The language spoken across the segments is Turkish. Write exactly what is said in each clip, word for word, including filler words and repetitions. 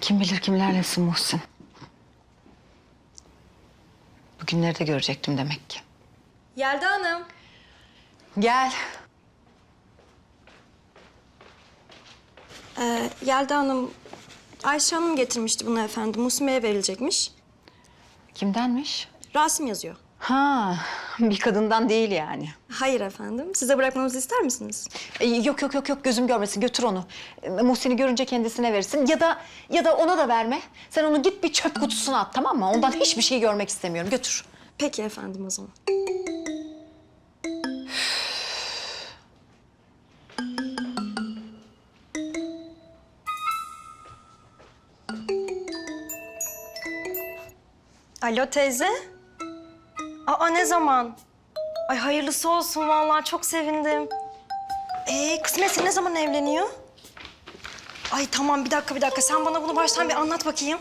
Kim bilir kimlerlesin Muhsin. Bugünleri de görecektim demek ki. Yelda Hanım. Gel. Ee, Yelda Hanım, Ayşe Hanım getirmişti bunu efendim. Muhsin Bey'e verilecekmiş. Kimdenmiş? Rasim yazıyor. Ha, bir kadından değil yani. Hayır efendim. Size bırakmamızı ister misiniz? E, yok yok yok yok gözüm görmesin, götür onu. E, Muhsin'i görünce kendisine verirsin ya da ya da ona da verme. Sen onu git bir çöp kutusuna at, tamam mı? Ondan hiçbir şey görmek istemiyorum. Götür. Peki efendim o zaman. Alo teyze. Aa ne zaman? Ay hayırlısı olsun vallahi çok sevindim. Ee kısmetse ne zaman evleniyor? Ay tamam bir dakika bir dakika sen bana bunu baştan bir anlat bakayım.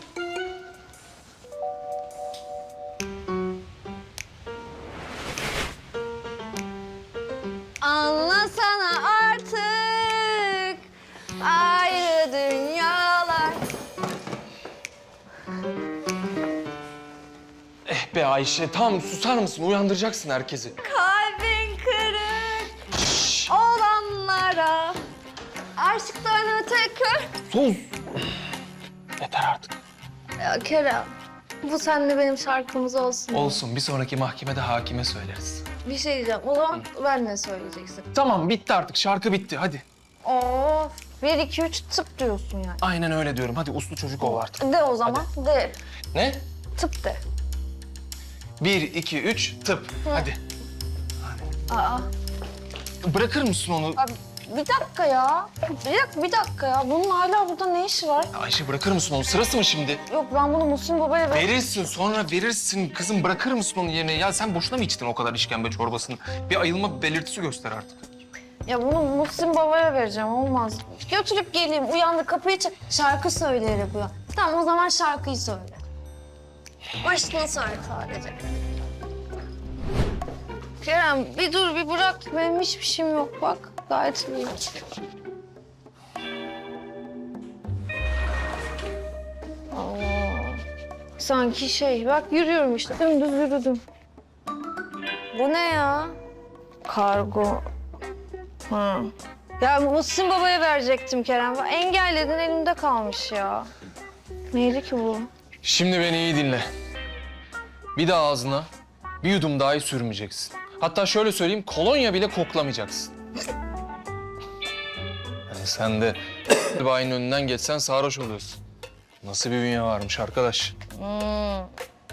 Anlasana artık ayrı dünyalar. Eh be Ayşe, tamam susar mısın? Uyandıracaksın herkesi. Kalbin kırık olanlara aşktan öte kır. Sus! Yeter artık. Ya Kerem, bu seninle benim şarkımız olsun. Olsun, bir sonraki mahkemede hakime söyleriz. Bir şey diyeceğim, o zaman ben ne söyleyeceksin? Tamam, bitti artık. Şarkı bitti, hadi. Of, bir, iki, üç tıp diyorsun yani. Aynen öyle diyorum. Hadi uslu çocuk ol artık. De o zaman, de. Ne? Tıp de. Bir, iki, üç, tıp. Hadi. Aa, Bırakır mısın onu? abi, bir dakika ya. Bir dakika, bir dakika ya. Bunun hala burada ne işi var? Ayşe bırakır mısın onu? Sırası mı şimdi? Yok, ben bunu Muhsin Baba'ya ver... Verirsin, sonra verirsin. Kızım bırakır mısın onun yerine? Ya sen boşuna mı içtin o kadar işkembe çorbasını? Bir ayılma belirtisi göster artık. Ya bunu Muhsin Baba'ya vereceğim, olmaz. Götürüp geleyim, uyandı kapıyı çal... Şarkı söyleyerek uyan. Tamam, o zaman şarkıyı söyle. Başını söyle sadece. Kerem, bir dur, bir bırak. Benim hiçbir şeyim yok bak. Gayet iyiyim. Aa, sanki şey, bak yürüyorum işte. Dümdüz yürüdüm. Bu ne ya? Kargo. Ha. Ya Muhsin Baba'ya verecektim Kerem. Engelledin, elimde kalmış ya. Neydi ki bu? Şimdi beni iyi dinle. Bir daha ağzına bir yudum dahi sürmeyeceksin. Hatta şöyle söyleyeyim, kolonya bile koklamayacaksın. Yani sen de bayinin önünden geçsen sarhoş oluyorsun. Nasıl bir bünye varmış arkadaş? Hmm.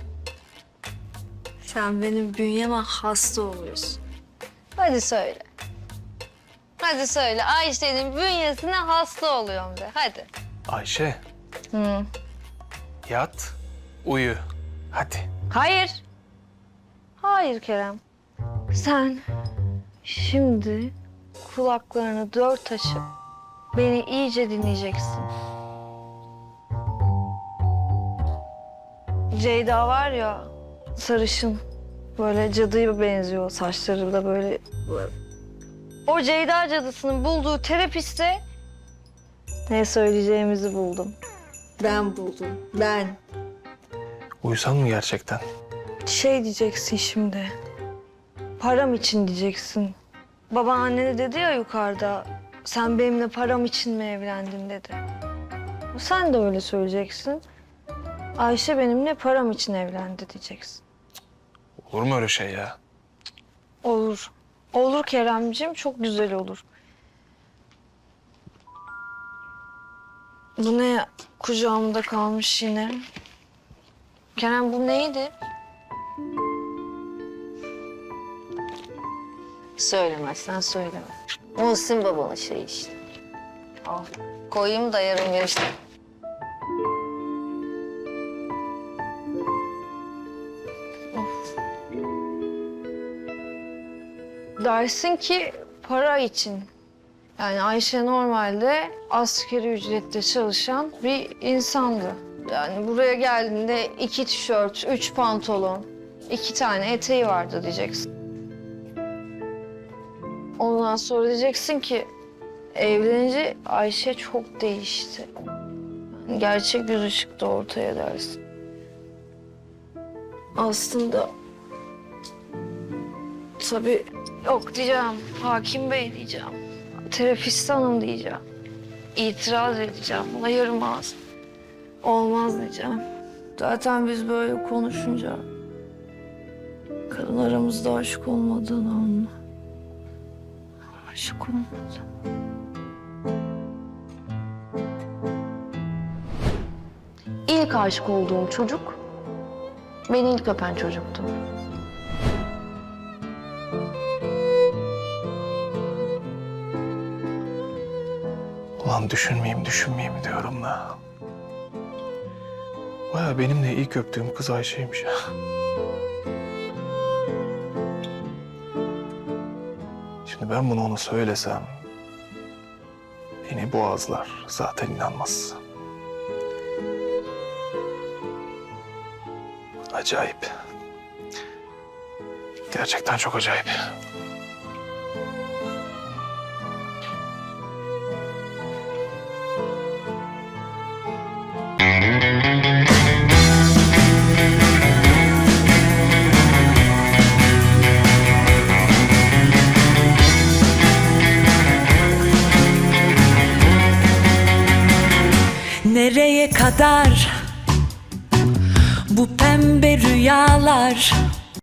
Sen benim bünyeme hasta oluyorsun. Hadi söyle. Hadi söyle. Ayşe'nin bünyesine hasta oluyorum de. Hadi. Ayşe, Hı. yat, uyu. Hadi. Hayır. Hayır Kerem. Sen şimdi kulaklarını dört açıp beni iyice dinleyeceksin. Ceyda var ya, sarışın. Böyle cadıya benziyor, saçları da böyle... O Ceyda cadısının bulduğu terapiste ne söyleyeceğimizi buldum. Ben buldum, ben. Uyusan mı gerçekten? Şey diyeceksin şimdi. Param için diyeceksin. Babaanne de dedi ya yukarıda. Sen benimle param için mi evlendin dedi. Sen de öyle söyleyeceksin. Ayşe benimle param için evlendi diyeceksin. Olur mu öyle şey ya? Olur. Olur Keremciğim, çok güzel olur. Bu ne kucağımda kalmış yine? Kerem bu neydi? Söylemezsen söyleme. Muhsin babanın şeyi işte. Al. Koyayım da yarın görüşürüz. Dersin ki para için. Yani Ayşe normalde asgari ücretle çalışan bir insandı. Yani buraya geldiğinde iki tişört, üç pantolon, iki tane eteği vardı diyeceksin. Ondan sonra diyeceksin ki evlenince Ayşe çok değişti. Gerçek yüzü çıktı ortaya dersin. Aslında tabii yok diyeceğim. Hakim Bey diyeceğim. Terapist hanım diyeceğim. İtiraz edeceğim. Ayırmaz. Olmaz diyeceğim. Zaten biz böyle konuşunca kadın aramızda aşık olmadığını anla. Aşık olmadı. İlk aşık olduğum çocuk beni ilk öpen çocuktu. Ulan düşünmeyeyim, düşünmeyeyim diyorum da. Baya benim de ilk öptüğüm kız Ayşe'ymiş ya. Şimdi ben bunu ona söylesem... beni boğazlar, zaten inanmaz. Acayip. Gerçekten çok acayip. Nereye kadar bu pembe rüyalar?